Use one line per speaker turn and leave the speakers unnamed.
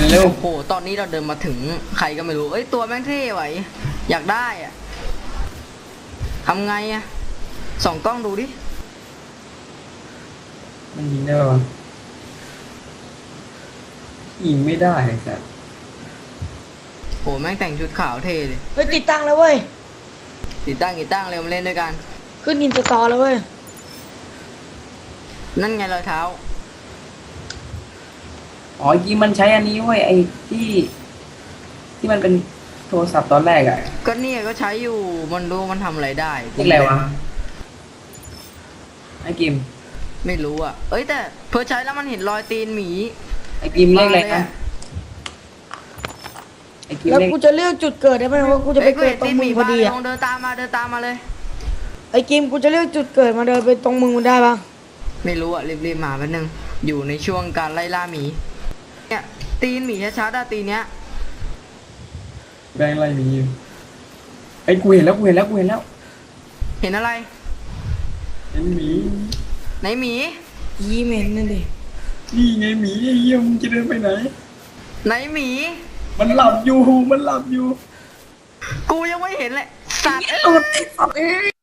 เร็ว
โอ้โหตอนนี้เราเดินมาถึงใครก็ไม่รู้เอ้ยตัวแม่งเท่ไหวอยากได้อะทำไงอะส่องกล้องดูดิ
มันยิงได้ปะยิงไม่ได้ไอ้สัส
โหแม่งแต่งชุดขาวเท่เลย
เฮ้ยติดตั้งแล้วเว้ย
ติดตั้งเร็วมาเล่นด้วยกัน
ขึ้นอินสตอลแล้วเว้ย
นั่นไงรอยเท้า
อ๋อยิงมันใช้อันนี้เว้ยไอ้ที่มันเป็นโทรศัพท์ตอนแรกอ่ะ
ก็เนี่ยก็ใช้อยู่มันรู้มันทำอะไรได้
เรียกอะไรวะไอ้กิม
ไม่รู้อ่ะเอ้ยแต่เพื่อใช้แล้วมันเห็นรอยตีนหมี
ไอ้กิมเรียกอะไร
มาเลย
นะ
อะ
ไอ้กิม
แล้ว
เรียก
กูจะเลือกจุดเกิดได้ไหมว่ากูจะไป
อ้ย
เกิด
ห็น
ตรงมึงพอดี
ตีนห
อะ
ลองเดินตามมาเลย
ไอ้กิมกูจะเลือกจุดเกิดมาเดินไปตรงมึงมันได้ปะ
ไม่รู้อ่ะรีบๆมาแป๊บนึงอยู่ในช่วงการไล่ล่าหมีเนี่ยตีนหมีชัดๆอะตีนเนี้ย
แบงอะไรมีอยู่ไอ้กูเห็นแล้ว
เห็นอะไร
เห็นหมี
ไหนหมี
ยีเหม็นนั่นดิ
นี่ไงหมีไอ้เหี้ยมึงจะเดินไปไหน
ไหนหมี
มันหลับอยู่
กูยังไม่เห็นเลยสัตว์
หลุดไอ้สัตว์เอ้ย